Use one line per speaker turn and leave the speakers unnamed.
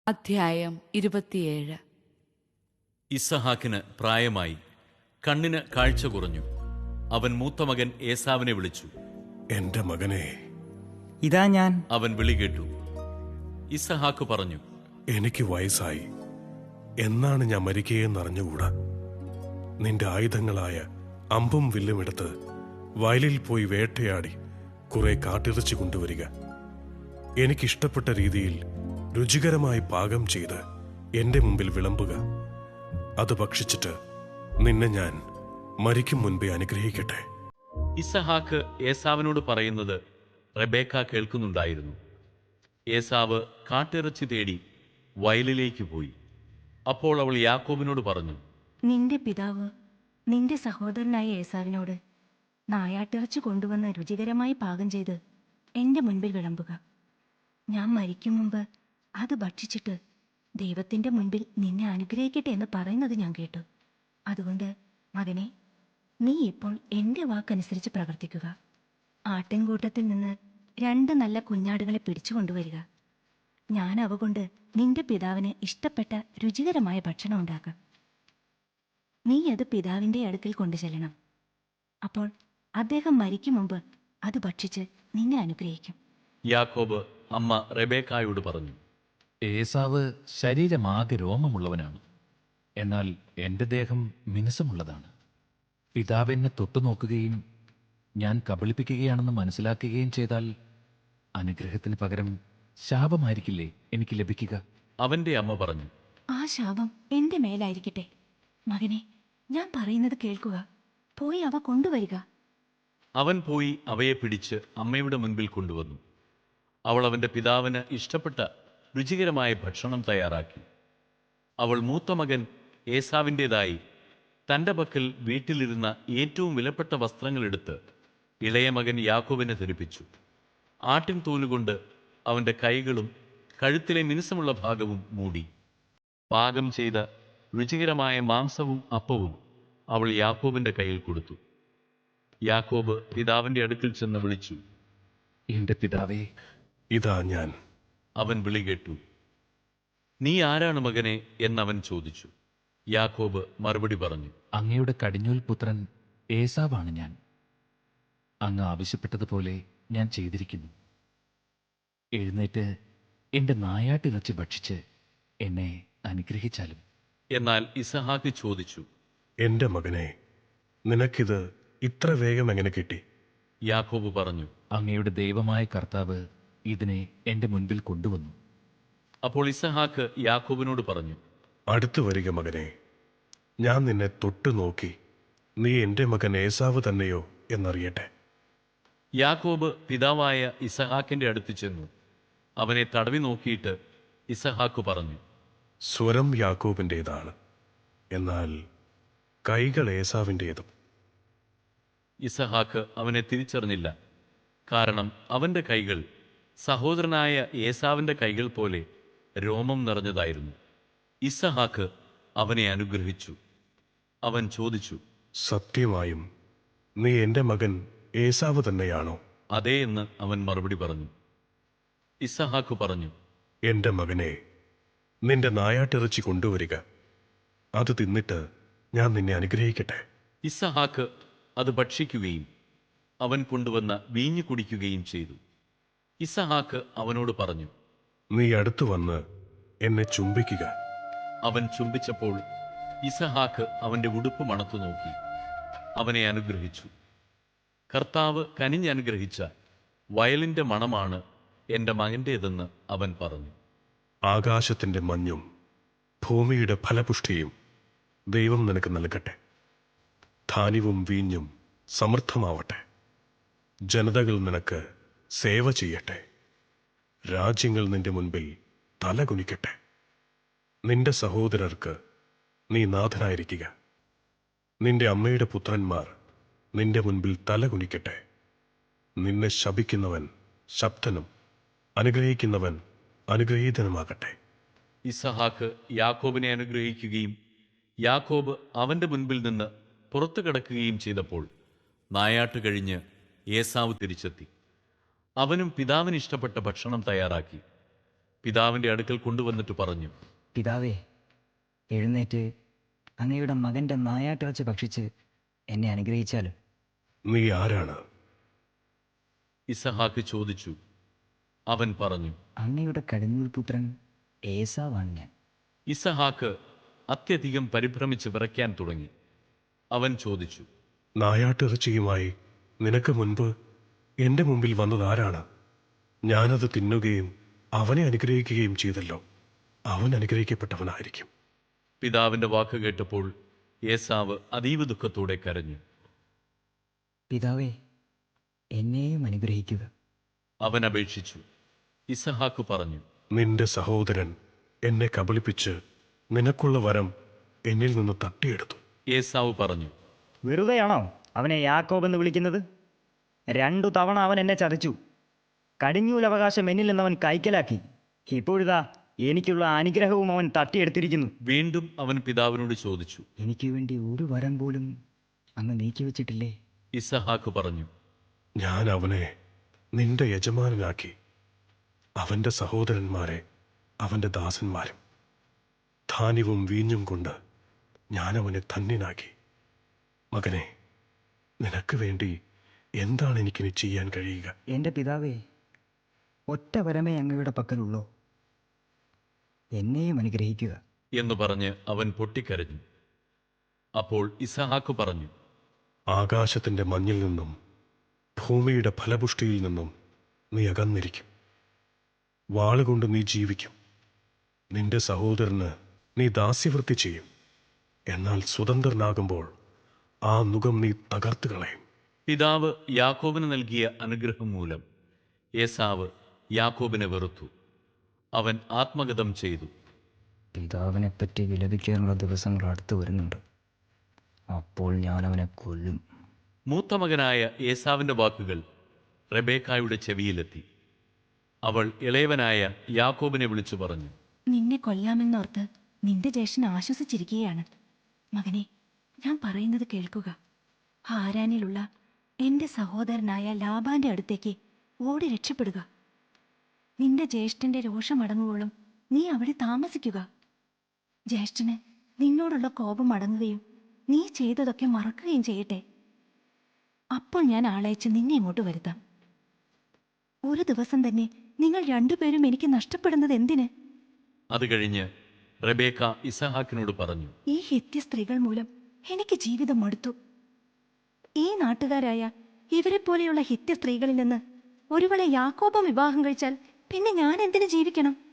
അധ്യായം 27.
ഇസ്സഹാക്കിന് പ്രായമായി, കണ്ണിന് കാഴ്ച കുറഞ്ഞു. അവൻ മൂത്ത മകൻ ഏസാവിനെ വിളിച്ചു.
എന്റെ മകനെ,
ഇതാ ഞാൻ.
അവൻ വിളി കേട്ടു. ഇസ്സഹാക്ക് പറഞ്ഞു,
എനിക്ക് വയസ്സായി, എന്നാണ് ഞാൻ മരിക്കുകയെന്നറിഞ്ഞുകൂടാ. നിന്റെ ആയുധങ്ങളായ അമ്പും വില്ലും എടുത്ത് വയലിൽ പോയി വേട്ടയാടി കുറെ കാട്ടിറച്ചി കൊണ്ടുവരിക. എനിക്കിഷ്ടപ്പെട്ട രീതിയിൽ രുചികരമായി പാകം ചെയ്ത് എന്റെ മുമ്പിൽ വിളമ്പുക. അത് ഭക്ഷിച്ചിട്ട് നിന്നെ ഞാൻ മരിക്കും മുൻപേ അനുഗ്രഹിക്കട്ടെ.
ഇസ്സഹാക്ക് ഏസാവിനോട് പറയുന്നത് റെബേക്ക കേൾക്കുന്നുണ്ടായിരുന്നു. ഏസാവ് കാട്ടിറച്ചി തേടി വയലിലേക്ക് പോയി. അപ്പോൾ അവൾ യാക്കോബിനോട് പറഞ്ഞു,
നിന്റെ പിതാവ് നിന്റെ സഹോദരനായ ഏസാവിനോട് നായാട്ടിറച്ചി കൊണ്ടുവന്ന് രുചികരമായി പാകം ചെയ്ത് എൻ്റെ മുൻപിൽ വിളമ്പുക. ഞാൻ മരിക്കും മുമ്പ് അത് ഭക്ഷിച്ചിട്ട് ദൈവത്തിൻ്റെ മുൻപിൽ നിന്നെ അനുഗ്രഹിക്കട്ടെ എന്ന് പറയുന്നത് ഞാൻ കേട്ടു. അതുകൊണ്ട് മകനെ, നീ ഇപ്പോൾ എൻ്റെ വാക്കനുസരിച്ച് പ്രവർത്തിക്കുക. ആട്ടിൻകൂട്ടത്തിൽ നിന്ന് 2 നല്ല കുഞ്ഞാടുകളെ പിടിച്ചു കൊണ്ടുവരിക. ഞാൻ അവ കൊണ്ട് നിന്റെ പിതാവിന് ഇഷ്ടപ്പെട്ട രുചികരമായ ഭക്ഷണം ഉണ്ടാക്കാം. നീ അത് പിതാവിൻ്റെ അടുക്കൽ കൊണ്ടുചെല്ലണം. അപ്പോൾ അദ്ദേഹം മരിക്കും മുമ്പ് അത് ഭക്ഷിച്ച് നിന്നെ അനുഗ്രഹിക്കും.
യാക്കോബ് അമ്മ റെബേക്കായോട് പറഞ്ഞു,
ഏസാവ് ശരീരമാകെ രോമമുള്ളവനാണ്, എന്നാൽ എൻ്റെ ദേഹം മിനുസമുള്ളതാണ്. പിതാവെന്നെ തൊട്ടുനോക്കുകയും ഞാൻ കബളിപ്പിക്കുകയാണെന്ന് മനസ്സിലാക്കുകയും ചെയ്താൽ അനുഗ്രഹത്തിന് പകരം ശാപമായിരിക്കില്ലേ എനിക്ക് ലഭിക്കുക?
അവന്റെ അമ്മ പറഞ്ഞു,
ആ ശാപം എൻ്റെ മേലായിരിക്കട്ടെ. മകനെ, ഞാൻ പറയുന്നത് കേൾക്കുക. പോയി അവ കൊണ്ടുവരിക.
അവൻ പോയി അവയെ പിടിച്ച് അമ്മയുടെ മുൻപിൽ കൊണ്ടുവന്നു. അവൾ അവന്റെ പിതാവിന് ഇഷ്ടപ്പെട്ട രുചികരമായ ഭക്ഷണം തയ്യാറാക്കി. അവൾ മൂത്ത മകൻ ഏസാവിൻ്റെതായി തൻ്റെ പക്കൽ വീട്ടിലിരുന്ന ഏറ്റവും വിലപ്പെട്ട വസ്ത്രങ്ങളെടുത്ത് ഇളയ മകൻ യാക്കോബിനെ ധരിപ്പിച്ചു. ആട്ടിൻ തോലുകൊണ്ട് അവൻ്റെ കൈകളും കഴുത്തിലെ മിനുസമുള്ള ഭാഗവും മൂടി. പാകം ചെയ്ത രുചികരമായ മാംസവും അപ്പവും അവൾ യാക്കോബിൻ്റെ കയ്യിൽ കൊടുത്തു. യാക്കോബ് പിതാവിൻ്റെ അടുക്കൽ ചെന്ന് വിളിച്ചു,
എൻ്റെ പിതാവേ.
ഇതാ ഞാൻ.
അവൻ വിളി കേട്ടു. നീ ആരാണ് മകനെ എന്നവൻ ചോദിച്ചു. യാക്കോബ് മറുപടി പറഞ്ഞു,
അങ്ങയുടെ കടിഞ്ഞൂൽ പുത്രൻ ഏസാവാണ് ഞാൻ. അങ്ങ് ആവശ്യപ്പെട്ടതുപോലെ ഞാൻ ചെയ്തിരിക്കുന്നു. എഴുന്നേറ്റ് എൻ്റെ നായാട്ടിറച്ചി ഭക്ഷിച്ച് എന്നെ അനുഗ്രഹിച്ചാലും.
എന്നാൽ ഇസഹാക്ക് ചോദിച്ചു,
എന്റെ മകനെ, നിനക്കിത് ഇത്ര വേഗം എങ്ങനെ കിട്ടി?
യാക്കോബ് പറഞ്ഞു,
അങ്ങയുടെ ദൈവമായ കർത്താവ് ഇതിനെ എൻ്റെ മുൻപിൽ കൊണ്ടുവന്നു.
അപ്പോൾ ഇസഹാക്ക് യാക്കോബിനോട് പറഞ്ഞു,
അടുത്തു വരിക മകനെ. ഞാൻ നിന്നെ തൊട്ടു നോക്കി നീ എന്റെ മകൻ ഏസാവ് തന്നെയോ എന്നറിയട്ടെ.
യാക്കോബ് പിതാവായ ഇസഹാക്കിന്റെ അടുത്ത് ചെന്നു. അവനെ തടവി നോക്കിയിട്ട് ഇസഹാക്ക് പറഞ്ഞു,
സ്വരം യാക്കോബിൻ്റെതാണ്, എന്നാൽ കൈകൾ ഏസാവിൻ്റേതും.
ഇസഹാക്ക് അവനെ തിരിച്ചറിഞ്ഞില്ല, കാരണം അവന്റെ കൈകൾ സഹോദരനായ ഏസാവിന്റെ കൈകൾ പോലെ രോമം നിറഞ്ഞതായിരുന്നു. ഇസഹാക്ക് അവനെ അനുഗ്രഹിച്ചു. അവൻ ചോദിച്ചു,
സത്യമായും നീ എന്റെ മകൻ ഏസാവ് തന്നെയാണോ?
അതേ എന്ന് അവൻ മറുപടി പറഞ്ഞു. ഇസഹാക്ക് പറഞ്ഞു,
എന്റെ മകനെ, നിന്റെ നായാട്ടിറച്ചി കൊണ്ടുവരിക. അത് തിന്നിട്ട് ഞാൻ നിന്നെ അനുഗ്രഹിക്കട്ടെ.
ഇസഹാക്ക് അത് ഭക്ഷിക്കുകയും അവൻ കൊണ്ടുവന്ന വീഞ്ഞു കുടിക്കുകയും ചെയ്തു. ഇസഹാക്ക് അവനോട് പറഞ്ഞു,
നീ അടുത്തു വന്ന് എന്നെ ചുംബിക്കുക.
അവൻ ചുംബിച്ചപ്പോൾ ഇസഹാക്ക് അവന്റെ ഉടുപ്പ് മണത്തു നോക്കി അവനെ അനുഗ്രഹിച്ചു. കർത്താവ് കനിഞ്ഞനുഗ്രഹിച്ച വയലിന്റെ മണമാണ് എൻ്റെ മകൻ്റേതെന്ന് അവൻ പറഞ്ഞു.
ആകാശത്തിന്റെ മഞ്ഞും ഭൂമിയുടെ ഫലപുഷ്ടിയും ദൈവം നിനക്ക് നൽകട്ടെ. ധാന്യവും വീഞ്ഞും സമൃദ്ധമാവട്ടെ. ജനതകൾ നിനക്ക് സേവ ചെയ്യട്ടെ. രാജ്യങ്ങൾ നിന്റെ മുൻപിൽ തല കുനിക്കട്ടെ. നിന്റെ സഹോദരർക്ക് നീ നാഥനായിരിക്കുക. നിന്റെ അമ്മയുടെ പുത്രന്മാർ നിന്റെ മുൻപിൽ തല കുനിക്കട്ടെ. നിന്നെ ശപിക്കുന്നവൻ ശബ്ദനും അനുഗ്രഹിക്കുന്നവൻ അനുഗ്രഹീതനുമാകട്ടെ.
ഇസഹാക്ക് യാക്കോബിനെ അനുഗ്രഹിക്കുകയും യാക്കോബ് അവന്റെ മുൻപിൽ നിന്ന് പുറത്തു കിടക്കുകയും ചെയ്തപ്പോൾ നായാട്ട് കഴിഞ്ഞ് ഏസാവ് തിരിച്ചെത്തി. അവനും പിതാവിന് ഇഷ്ടപ്പെട്ട ഭക്ഷണം തയ്യാറാക്കി. പിതാവിൻ്റെ അടുക്കൽ കൊണ്ടുവന്നിട്ട് പറഞ്ഞു,
പിതാവേ, എഴുന്നേറ്റ് അങ്ങയുടെ മകൻ്റെ നായാട്ടിറച്ചി ഭക്ഷിച്ച് എന്നെ അനുഗ്രഹിച്ചാലും.
നീ ആരാണ്?
ഇസഹാക്ക് ചോദിച്ചു. അവൻ പറഞ്ഞു,
അങ്ങയുടെ കടിഞ്ഞൂൽ പുത്രൻ ഏസാവാണ് ഞാൻ.
ഇസഹാക്ക് അത്യധികം പരിഭ്രമിച്ച് വിറയ്ക്കാൻ തുടങ്ങി. അവൻ ചോദിച്ചു,
നായാട്ടിറച്ചിയുമായി നിനക്ക് മുൻപ് എൻ്റെ മുമ്പിൽ വന്നത് ആരാണ്? ഞാനത് തിന്നുകയും അവനെ അനുഗ്രഹിക്കുകയും ചെയ്തല്ലോ. അവൻ അനുഗ്രഹിക്കപ്പെട്ടവനായിരിക്കും.
പിതാവിൻ്റെ വാക്ക് കേട്ടപ്പോൾ ഏസാവ് അതീവ ദുഃഖത്തോടെ കരഞ്ഞു.
പിതാവേ, എന്നെയും അനുഗ്രഹിക്കുക.
അവൻ അപേക്ഷിച്ചു. ഇസഹാക്ക് പറഞ്ഞു,
നിന്റെ സഹോദരൻ എന്നെ കബളിപ്പിച്ച് നിനക്കുള്ള വരം എന്നിൽ നിന്ന് തട്ടിയെടുത്തു.
ഏസാവ് പറഞ്ഞു,
വെറുതെയാണോ അവനെ യാക്കോബ് എന്ന് വിളിക്കുന്നത്? 2 തവണ അവൻ എന്നെ ചതിച്ചു. കടിഞ്ഞൂലവകാശം എന്നിൽ നിന്നവൻ കൈക്കലാക്കി. ഇപ്പോഴിതാ എനിക്കുള്ള അനുഗ്രഹവും അവൻ തട്ടിയെടുത്തിരിക്കുന്നു.
വീണ്ടും അവൻ പിതാവിനോട് ചോദിച്ചു.
എനിക്ക് വേണ്ടി ഒരു വരം പോലും അങ്ങ് നീക്കി വെച്ചിട്ടില്ലേ?
ഇസഹാക്ക് പറഞ്ഞു,
ഞാൻ അവനെ നിന്റെ യജമാനനാക്കി, അവൻ്റെ സഹോദരന്മാരെ അവൻ്റെ ദാസന്മാരും. ധാന്യവും വീഞ്ഞും കൊണ്ട് ഞാൻ അവനെ ധന്യനാക്കി. മകനെ, നിനക്ക് വേണ്ടി എന്താണ് എനിക്കിനി ചെയ്യാൻ കഴിയുക?
എൻ്റെ പിതാവേ, ഒറ്റ വരമേ അങ്ങയുടെ പക്കലുള്ളൂ. എന്നെയും അനുഗ്രഹിക്കുക.
എന്ന് പറഞ്ഞ് അവൻ പൊട്ടിക്കരഞ്ഞു. അപ്പോൾ ഇസഹാക്ക് പറഞ്ഞു,
ആകാശത്തിൻ്റെ മഞ്ഞിൽ നിന്നും ഭൂമിയുടെ ഫലപുഷ്ടിയിൽ നിന്നും നീ അകന്നിരിക്കും. വാളുകൊണ്ട് നീ ജീവിക്കും. നിന്റെ സഹോദരന് നീ ദാസ്യവൃത്തി ചെയ്യും. എന്നാൽ സ്വതന്ത്രനാകുമ്പോൾ ആ നുകം നീ തകർത്ത് കളയും.
പിതാവ് യാക്കോബിന് നൽകിയ അനുഗ്രഹം മൂലം ഏസാവ് യാക്കോബിനെ വെറുത്തു. അവൻ ആത്മഗതം ചെയ്തു.
പിതാവിനെപ്പറ്റി വിലപിക്കാനുള്ള ദിവസങ്ങൾ അടുത്ത് വരുന്നുണ്ട്. അപ്പോൾ ഞാൻ അവനെ കൊല്ലും.
മൂത്ത മകനായ ഏസാവിൻ്റെ വാക്കുകൾ റെബേക്കായുടെ ചെവിയിലെത്തി. അവൾ ഇളയവനായ യാക്കോബിനെ വിളിച്ചു പറഞ്ഞു,
നിന്നെ കൊല്ലാമെന്നോർത്ത് നിന്റെ ജ്യേഷ്ഠൻ ആശ്വസിച്ചിരിക്കുകയാണ്. മകനെ, ഞാൻ പറയുന്നത് കേൾക്കുക. ഹാരാനിലുള്ള എൻ്റെ സഹോദരനായ ലാബാന്റെ അടുത്തേക്ക് ഓടി രക്ഷപ്പെടുക. നിന്റെ ജ്യേഷ്ഠന്റെ രോഷമടങ്ങുവോളം നീ അവിടെ താമസിക്കുക. ജ്യേഷ്ഠന് നിന്നോടുള്ള കോപം അടങ്ങുകയും നീ ചെയ്തതൊക്കെ മറക്കുകയും ചെയ്യട്ടെ. അപ്പോൾ ഞാൻ ആളയച്ച് നിന്നെ ഇങ്ങോട്ട് വരുത്താം. ഒരു ദിവസം തന്നെ നിങ്ങൾ 2 പേരും എനിക്ക് നഷ്ടപ്പെടുന്നത് എന്തിന്?
അത് കഴിഞ്ഞ് റെബേക്ക ഇസഹാക്കിനോട് പറഞ്ഞു,
ഈ ഹിത്യ സ്ത്രീകൾ മൂലം എനിക്ക് ജീവിതം മടുത്തു. ഈ നാട്ടുകാരായ ഇവരെ പോലെയുള്ള ഹിത്യ സ്ത്രീകളിൽ നിന്ന് ഒരുവളെ യാക്കോബം വിവാഹം കഴിച്ചാൽ പിന്നെ ഞാൻ എന്തിനു ജീവിക്കണം?